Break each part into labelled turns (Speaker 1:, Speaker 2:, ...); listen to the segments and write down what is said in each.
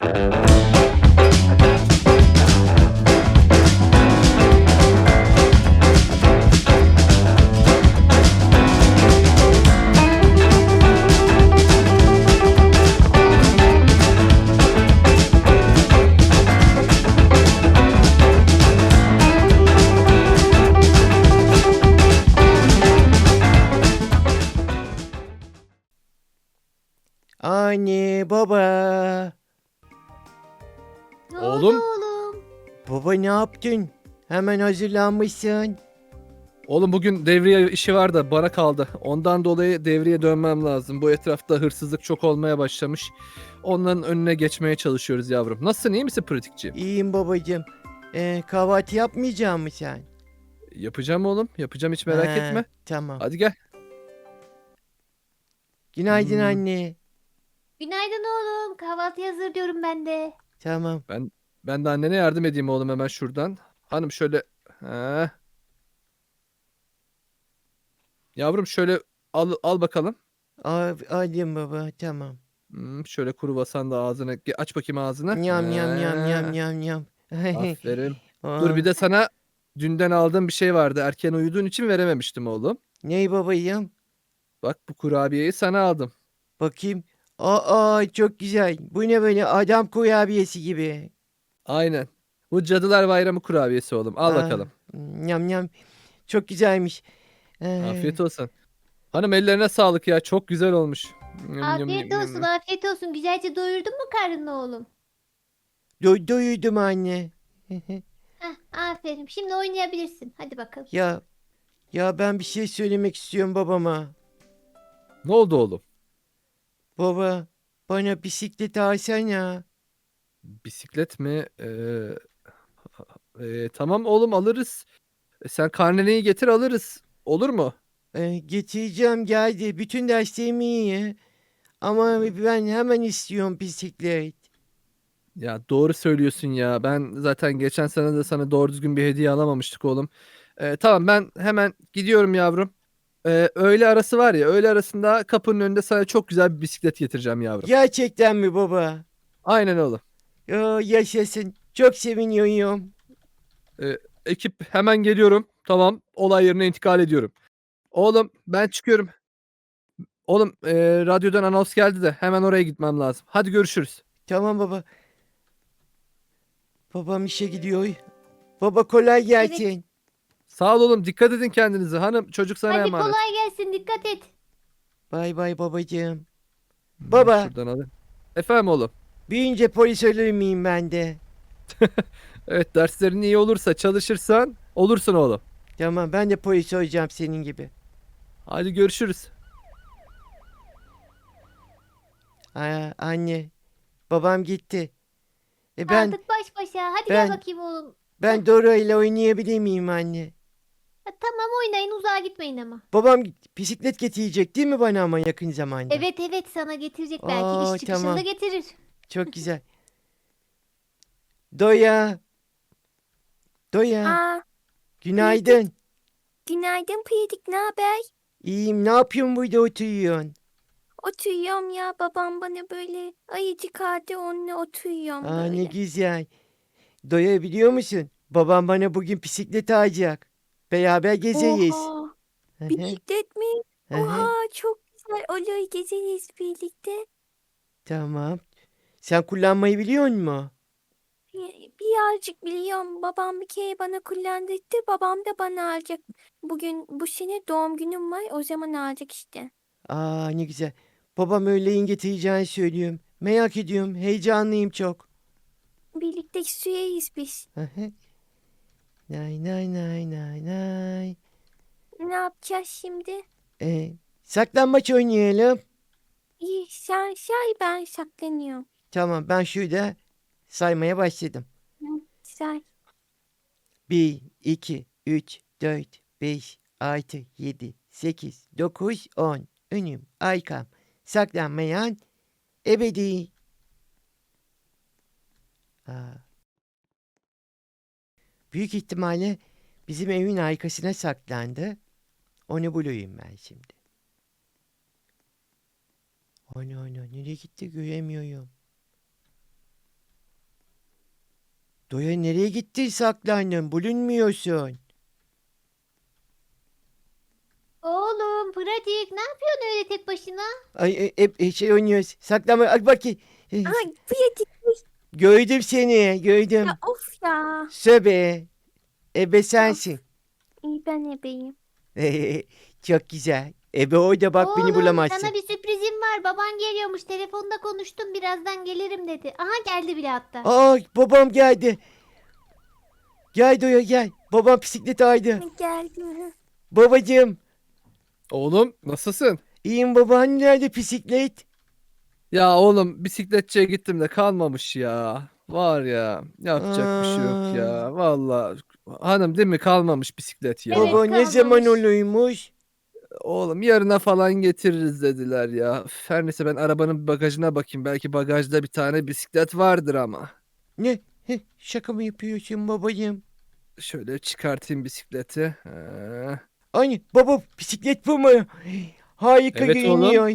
Speaker 1: Anne, baba.
Speaker 2: Ne oldu
Speaker 3: Oğlum,
Speaker 2: oğlum?
Speaker 1: Baba ne yaptın? Hemen hazırlanmışsın.
Speaker 3: oğlum bugün devriye işi var da bana kaldı. Ondan dolayı devriye dönmem lazım. Bu etrafta hırsızlık çok olmaya başlamış. Onların önüne geçmeye çalışıyoruz yavrum. Nasılsın, iyi misin pratikçi?
Speaker 1: İyiyim babacığım. Kahvaltı yapmayacak mısın sen?
Speaker 3: Yapacağım oğlum, yapacağım hiç merak
Speaker 1: Ha,
Speaker 3: etme.
Speaker 1: tamam.
Speaker 3: Hadi gel.
Speaker 1: Günaydın
Speaker 3: Hmm,
Speaker 1: anne.
Speaker 2: Günaydın oğlum. Kahvaltı hazır diyorum ben de.
Speaker 1: Tamam.
Speaker 3: ben de annene yardım edeyim oğlum hemen şuradan. Hanım şöyle... Ha. Yavrum şöyle al bakalım.
Speaker 1: Alayım baba, tamam.
Speaker 3: Şöyle kruvasan da ağzına... Aç bakayım ağzını.
Speaker 1: Yam yam yam yam
Speaker 3: Ha.
Speaker 1: yam yam.
Speaker 3: Aferin. Dur
Speaker 1: Aa,
Speaker 3: bir de sana dünden aldığım bir şey vardı. Erken uyuduğun için verememiştim oğlum.
Speaker 1: ney babayım?
Speaker 3: Bak bu kurabiyeyi sana aldım.
Speaker 1: Bakayım. Aa, çok güzel. Bu ne böyle adam kurabiyesi gibi.
Speaker 3: Aynen. Bu Cadılar Bayramı kurabiyesi oğlum. Al
Speaker 1: Aa,
Speaker 3: bakalım.
Speaker 1: yam yam. Çok güzelmiş.
Speaker 3: Afiyet olsun. Hanım ellerine sağlık ya. Çok güzel olmuş. Yum, yum,
Speaker 2: Afiyet
Speaker 3: yum, yum,
Speaker 2: olsun,
Speaker 3: yum.
Speaker 2: afiyet olsun. Güzelce doyurdun mu karnını oğlum?
Speaker 1: Doydum anne.
Speaker 2: Heh, aferin. Şimdi oynayabilirsin. Hadi bakalım.
Speaker 1: Ya ya ben bir şey söylemek istiyorum babama.
Speaker 3: Ne oldu oğlum?
Speaker 1: Baba bana bisiklet alsana.
Speaker 3: Bisiklet mi? Tamam oğlum alırız. Sen karneneyi getir alırız. Olur mu?
Speaker 1: Getireceğim geldi. Bütün derslerim iyi. Ama ben hemen istiyorum bisiklet.
Speaker 3: Ya doğru söylüyorsun ya. Ben zaten geçen sene de sana doğru düzgün bir hediye alamamıştık oğlum. Tamam ben hemen gidiyorum yavrum. Öğle arası var ya, öğle arasında kapının önünde sana çok güzel bir bisiklet getireceğim yavrum.
Speaker 1: Gerçekten mi baba?
Speaker 3: Aynen oğlum.
Speaker 1: Yaşasın. Çok seviniyorum.
Speaker 3: Ekip hemen geliyorum. Tamam, olay yerine intikal ediyorum. Oğlum ben çıkıyorum. Oğlum radyodan anons geldi de hemen oraya gitmem lazım. Hadi görüşürüz.
Speaker 1: Tamam baba. Babam işe gidiyor. Baba kolay
Speaker 2: Evet.
Speaker 1: gelsin.
Speaker 3: Sağ ol oğlum, dikkat edin kendinize. Hanım çocuk sana
Speaker 2: Hadi
Speaker 3: emanet.
Speaker 2: kolay gelsin. Dikkat et.
Speaker 1: Bay bay babacığım. Baba
Speaker 3: Şuradan alayım. Efendim oğlum.
Speaker 1: büyüyünce polis olur muyum ben de?
Speaker 3: Evet, derslerin iyi olursa, çalışırsan olursun oğlum.
Speaker 1: Tamam ben de polis olacağım senin gibi.
Speaker 3: Hadi görüşürüz.
Speaker 1: Anne babam gitti. Ben
Speaker 2: Kaldık baş başa. Hadi gel
Speaker 1: ben
Speaker 2: bakayım oğlum.
Speaker 1: ben Dora ile oynayabilir miyim anne?
Speaker 2: Ha, tamam oynayın. Uzağa gitmeyin ama.
Speaker 1: Babam bisiklet getirecek değil mi bana ama yakın zamanda?
Speaker 2: Evet evet sana getirecek belki.
Speaker 1: Aa,
Speaker 2: İş çıkışında
Speaker 1: tamam.
Speaker 2: getirir.
Speaker 1: Çok güzel. Doya, Doya.
Speaker 4: Aa,
Speaker 1: Günaydın.
Speaker 4: günaydın Pratik, ne haber?
Speaker 1: İyiyim. Ne yapıyorsun burada oturuyorsun?
Speaker 4: Oturuyorum ya, babam bana böyle ayıcık aldı, onunla oturuyorum
Speaker 1: Ne
Speaker 4: böyle.
Speaker 1: güzel. Doya biliyor musun? Babam bana bugün bisiklet alacak. Beraber gezeriz.
Speaker 4: Oha,
Speaker 1: Hı hı,
Speaker 4: bisiklet mi?
Speaker 1: hı hı.
Speaker 4: Oha, çok güzel, olur, gezeriz birlikte.
Speaker 1: Tamam. Sen kullanmayı biliyor musun?
Speaker 4: Birazcık biliyorum, babam bir kere bana kullandırdı, babam da bana alacak. Bugün bu sene doğum günüm var, o zaman alacak işte.
Speaker 1: Ne güzel. Babam öğleyin getireceğini söylüyorum. Merak ediyorum. Heyecanlıyım çok.
Speaker 4: Birlikte süreriz biz.
Speaker 1: Hı hı. Nay nay nay nay nay.
Speaker 4: Ne yapacağız şimdi?
Speaker 1: Saklambaç oynayalım.
Speaker 4: İyi, sen say, ben saklanıyorum.
Speaker 1: Tamam ben şurada saymaya başladım.
Speaker 4: Hı, say.
Speaker 1: 1, 2, 3, 4, 5, 6, 7, 8, 9, 10. Önüm, arkam, saklanmayan ebedi. Aa, büyük ihtimalle bizim evin arkasına saklandı. Onu bulayım ben şimdi. Ana nereye gitti göremiyorum. Doya nereye gittin saklandın? Bulunmuyorsun.
Speaker 2: Oğlum pratik ne yapıyorsun öyle tek başına?
Speaker 1: Ay hep şey oynuyoruz. Saklanma. Al bakayım.
Speaker 4: Ay pratik.
Speaker 1: Gördüm seni. Gördüm.
Speaker 4: Ya of ya.
Speaker 1: Söbe. Ebe sensin.
Speaker 4: İyi ben ebeyim.
Speaker 1: Çok güzel. Ebe orada bak beni
Speaker 2: Oğlum
Speaker 1: bulamazsın.
Speaker 2: sana bir sürprizim var. Baban geliyormuş. Telefonda konuştum. Birazdan gelirim dedi. Aha geldi bile hatta.
Speaker 1: Aa babam geldi. Gel Doya gel. Babam bisiklet aldı.
Speaker 4: Geldim.
Speaker 1: Babacığım.
Speaker 3: Oğlum nasılsın?
Speaker 1: İyiyim baba. Hani nerede bisiklet?
Speaker 3: Ya oğlum bisikletçiye gittim de kalmamış ya. Var ya yapacak bir şey yok ya. Vallahi hanım değil mi kalmamış bisiklet ya.
Speaker 2: Evet,
Speaker 1: Baba ne zaman
Speaker 2: kalmamış.
Speaker 1: oluyormuş?
Speaker 3: Oğlum yarına falan getiririz dediler ya. Üf, her neyse ben arabanın bagajına bakayım. Belki bagajda bir tane bisiklet vardır ama.
Speaker 1: Ne? Şaka mı yapıyorsun babacığım?
Speaker 3: Şöyle çıkartayım bisikleti.
Speaker 1: Anne baba bisiklet bu mu? Harika
Speaker 3: Evet oğlum.
Speaker 1: görünüyor.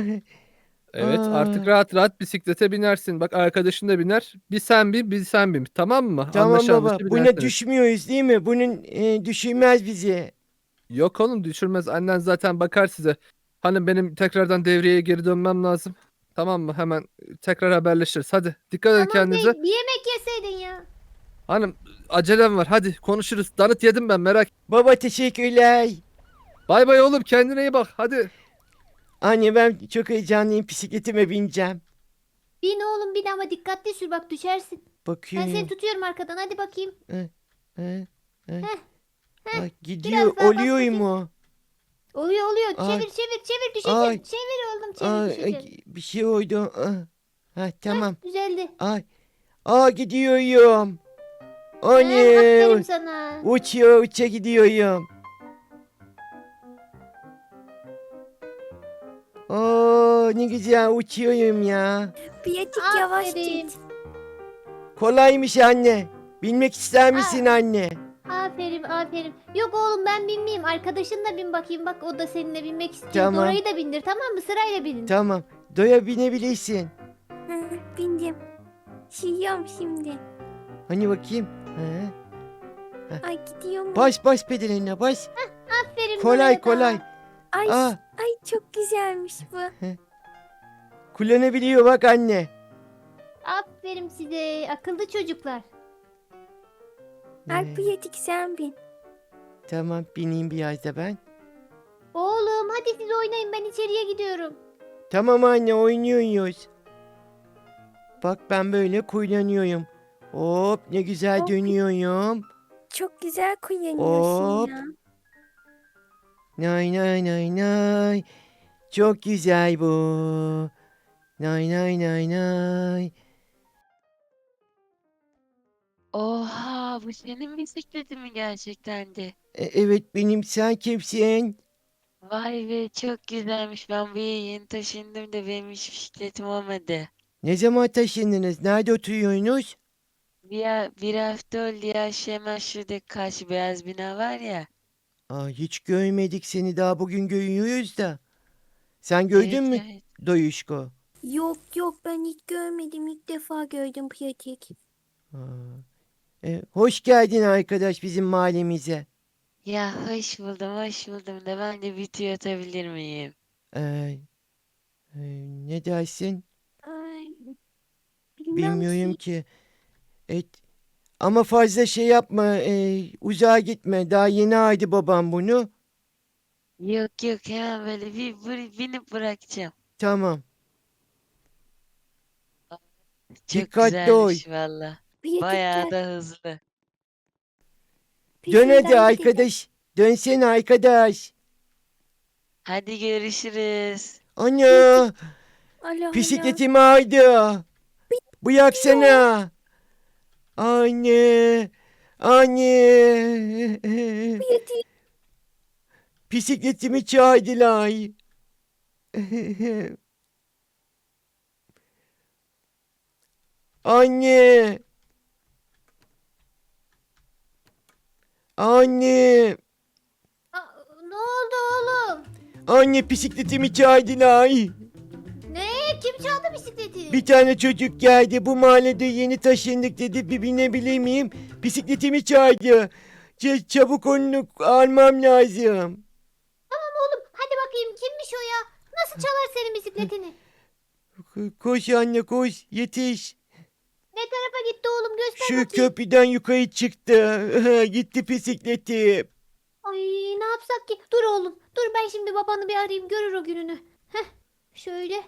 Speaker 3: Evet artık
Speaker 1: Aa.
Speaker 3: rahat rahat bisiklete binersin. Bak arkadaşın da biner. Bir sen bin bir sen bin. Tamam mı?
Speaker 1: Tamam
Speaker 3: Anlaşa
Speaker 1: baba.
Speaker 3: anlaşa
Speaker 1: Buna
Speaker 3: binersiniz.
Speaker 1: düşmüyoruz değil mi? Bunun düşürmez bizi.
Speaker 3: Yok oğlum düşürmez. Annen zaten bakar size. Hani benim tekrardan devreye geri dönmem lazım. Tamam mı? Hemen tekrar haberleşiriz. Hadi dikkat edin
Speaker 2: Tamam
Speaker 3: kendinize.
Speaker 2: değil. Bir yemek yeseydin ya.
Speaker 3: Hanım acelem var. Hadi konuşuruz. Danıt yedim ben merak.
Speaker 1: Baba teşekkürler.
Speaker 3: Bay bay oğlum kendine iyi bak. Hadi.
Speaker 1: Anne ben çok heyecanlıyım. Bisikletime bineceğim.
Speaker 2: Bin oğlum bin ama dikkatli sür bak düşersin. Ben
Speaker 1: Bakıyorum.
Speaker 2: seni tutuyorum arkadan hadi bakayım.
Speaker 1: Heh,
Speaker 2: Heh,
Speaker 1: Ay, gidiyor.
Speaker 2: biraz daha bas
Speaker 1: Oluyor
Speaker 2: bakayım.
Speaker 1: mu?
Speaker 2: Oluyor.
Speaker 1: Ay.
Speaker 2: Çevir düşeceksin.
Speaker 1: Ay.
Speaker 2: Çevir oğlum çevir
Speaker 1: Ay,
Speaker 2: düşeceksin.
Speaker 1: bir şey oldu. Ha, tamam.
Speaker 2: Düzeldi.
Speaker 1: Ay. Gidiyorum.
Speaker 2: Aferin
Speaker 1: Anne.
Speaker 2: sana.
Speaker 1: Uça gidiyorum. Ne güzel uçuyorum ya.
Speaker 4: Pratik yavaş
Speaker 2: Aferin.
Speaker 4: git.
Speaker 1: Kolaymış anne. Bilmek ister misin anne?
Speaker 2: Aferin. Yok oğlum ben binmeyeyim. Arkadaşın da bin bakayım. Bak o da seninle binmek istiyor.
Speaker 1: Tamam.
Speaker 2: Dora'yı da bindir tamam mı? Sırayla binin.
Speaker 1: Tamam. Doya binebilirsin.
Speaker 4: Hı, bindim. Şiyorum şimdi.
Speaker 1: Hani bakayım.
Speaker 4: Ay gidiyorum.
Speaker 1: Bas pedaline bas.
Speaker 2: Aferin
Speaker 1: Kolay
Speaker 2: Dora'ya da.
Speaker 1: kolay.
Speaker 4: Ay,
Speaker 1: Aa,
Speaker 4: ay çok güzelmiş bu.
Speaker 1: kullanabiliyor bak anne.
Speaker 2: Aferin size. Akıllı çocuklar.
Speaker 4: Ay pratik sen bin.
Speaker 1: Tamam bineyim biraz da ben.
Speaker 2: Oğlum hadi siz oynayın ben içeriye gidiyorum.
Speaker 1: Tamam anne oynuyoruz. Bak ben böyle kullanıyorum. Hop ne güzel
Speaker 4: Hop.
Speaker 1: dönüyorum.
Speaker 4: Çok güzel kullanıyorsun
Speaker 1: Hop.
Speaker 4: ya.
Speaker 1: Nay nay nay nay. Çok güzel bu. Nay nay nay nay.
Speaker 5: Oha, bu senin bisikletin mi gerçekten de?
Speaker 1: Evet benim sen kimsin?
Speaker 5: Vay be, çok güzelmiş. Ben buraya yeni taşındım da benim hiç bisikletim olmadı.
Speaker 1: Ne zaman taşındınız? Nerede oturuyorsunuz?
Speaker 5: Bir hafta oldu ya, hemen şuradaki karşı beyaz bina var ya.
Speaker 1: Hiç görmedik seni daha bugün görüyoruz da. Sen gördün
Speaker 5: Evet,
Speaker 1: mü
Speaker 5: evet.
Speaker 1: Doyuşko?
Speaker 4: Yok ben hiç görmedim. İlk defa gördüm pratik.
Speaker 1: Aa, hoş geldin arkadaş bizim mahallemize.
Speaker 5: Ya hoş buldum da ben de bir tüy atabilir miyim?
Speaker 1: Ee, Ne dersin?
Speaker 4: Ay,
Speaker 1: Bilmiyorum
Speaker 4: ki.
Speaker 1: ki. Et, ama fazla şey yapma. Uzağa gitme. Daha yeni aldı babam bunu.
Speaker 5: Yok hemen böyle binip bırakacağım.
Speaker 1: Tamam.
Speaker 5: Çok
Speaker 1: Dikkatli ol.
Speaker 5: güzelmiş valla.
Speaker 4: Pratik
Speaker 5: Bayağı
Speaker 4: gel.
Speaker 5: da hızlı.
Speaker 1: Dön hadi
Speaker 4: Peşinden gidelim.
Speaker 1: arkadaş. Dönsene arkadaş.
Speaker 5: Hadi görüşürüz.
Speaker 1: Ana.
Speaker 4: Allah Allah.
Speaker 1: Bisikletimi aldı. Bıraksana. Anne. Anne.
Speaker 4: Pratik.
Speaker 1: Bisikletimi çaldılar. Anne. Anne.
Speaker 2: Ne oldu oğlum?
Speaker 1: Anne bisikletimi çaldılar.
Speaker 2: Ne? Kim çaldı bisikleti?
Speaker 1: Bir tane çocuk geldi. Bu mahallede yeni taşındık dedi. Bir binebilir miyim? Bisikletimi çaldı. Çabuk onu almam lazım.
Speaker 2: Oğlum hadi bakayım kimmiş o ya? Nasıl çalar senin bisikletini?
Speaker 1: Koş anne koş. Yetiş.
Speaker 2: Ne tarafa gitti oğlum göster
Speaker 1: Şu
Speaker 2: bakayım.
Speaker 1: köprüden yukarı çıktı. Gitti bisikletim.
Speaker 2: Ay ne yapsak ki? Dur oğlum. Dur ben şimdi babanı bir arayayım görür o gününü. Heh. Şöyle.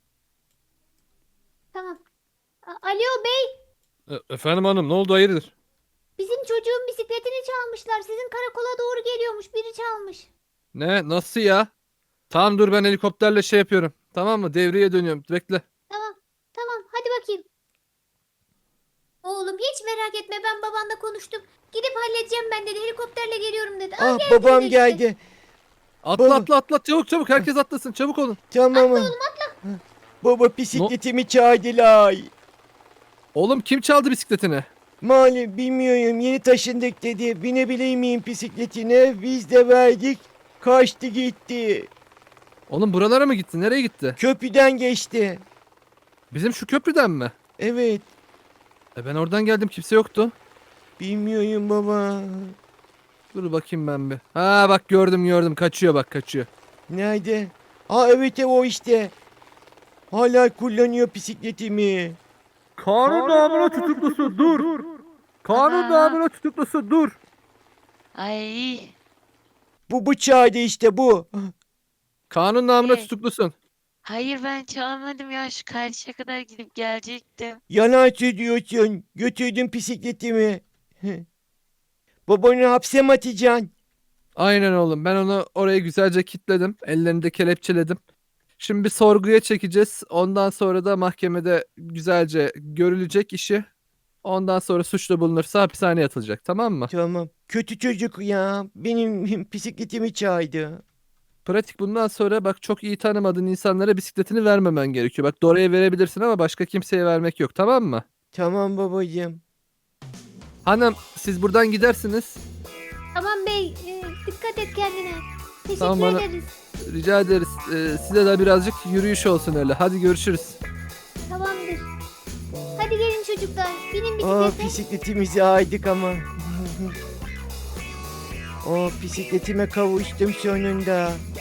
Speaker 2: Tamam. Alo bey.
Speaker 3: Efendim hanım ne oldu hayırdır?
Speaker 2: Bizim çocuğun bisikletini çalmışlar. Sizin karakola doğru geliyormuş. Biri çalmış.
Speaker 3: Ne nasıl ya? Tamam dur ben helikopterle şey yapıyorum. Tamam mı? Devreye dönüyorum. Bekle.
Speaker 2: Tamam. Tamam hadi bakayım. Oğlum hiç merak etme ben babanla konuştum. Gidip halledeceğim ben dedi. Helikopterle geliyorum dedi.
Speaker 1: Ah
Speaker 2: geldi
Speaker 1: babam
Speaker 2: yine işte.
Speaker 1: geldi.
Speaker 3: Atla
Speaker 1: Baba.
Speaker 3: atla atla çabuk çabuk herkes atlasın çabuk olun.
Speaker 1: Tamam. Baba bisikletimi çaldılar.
Speaker 3: Oğlum kim çaldı bisikletini?
Speaker 1: Malum bilmiyorum yeni taşındık dedi. Binebilir miyim bisikletine? Biz de verdik. Kaçtı gitti.
Speaker 3: Oğlum buralara mı gitti? Nereye gitti?
Speaker 1: Köprüden geçti.
Speaker 3: Bizim şu köprüden mi?
Speaker 1: Evet.
Speaker 3: Ben oradan geldim kimse yoktu.
Speaker 1: Bilmiyorum baba.
Speaker 3: Dur bakayım ben bir. Ha bak gördüm kaçıyor bak kaçıyor.
Speaker 1: Nerede? Aa evet o işte. Hala kullanıyor bisikletimi.
Speaker 3: Kanun namına tutuklusu dur. Kanun
Speaker 5: Ana.
Speaker 3: namına tutuklusu dur.
Speaker 5: Ay.
Speaker 1: Bu çağda işte bu.
Speaker 3: Kanun namına
Speaker 5: Ne?
Speaker 3: tutuklusun.
Speaker 5: Hayır ben çalmadım ya. Şu karşıya kadar gidip gelecektim.
Speaker 1: Yalan söylüyorsun. Götürdün bisikletimi. Babanı hapse mi atacaksın?
Speaker 3: Aynen oğlum ben onu oraya güzelce kilitledim. Ellerini de kelepçeledim. Şimdi bir sorguya çekeceğiz. Ondan sonra da mahkemede güzelce görülecek işi. Ondan sonra suçlu bulunursa hapishaneye atılacak tamam mı?
Speaker 1: Tamam. Kötü çocuk ya. Benim bisikletimi çaldı.
Speaker 3: Pratik bundan sonra bak çok iyi tanımadığın insanlara bisikletini vermemen gerekiyor. Bak Dora'ya verebilirsin ama başka kimseye vermek yok tamam mı?
Speaker 1: Tamam babacığım.
Speaker 3: Hanım siz buradan gidersiniz.
Speaker 2: Tamam bey dikkat et kendine. Teşekkür
Speaker 3: Tamam, bana-
Speaker 2: ederiz.
Speaker 3: Rica ederiz. Size de birazcık yürüyüş olsun öyle. Hadi görüşürüz.
Speaker 2: Tamamdır. Hadi gelin çocuklar. Binin
Speaker 1: Aa
Speaker 2: bisiklete.
Speaker 1: bisikletimizi aydık ama. Bisikletime kavuştum sonunda.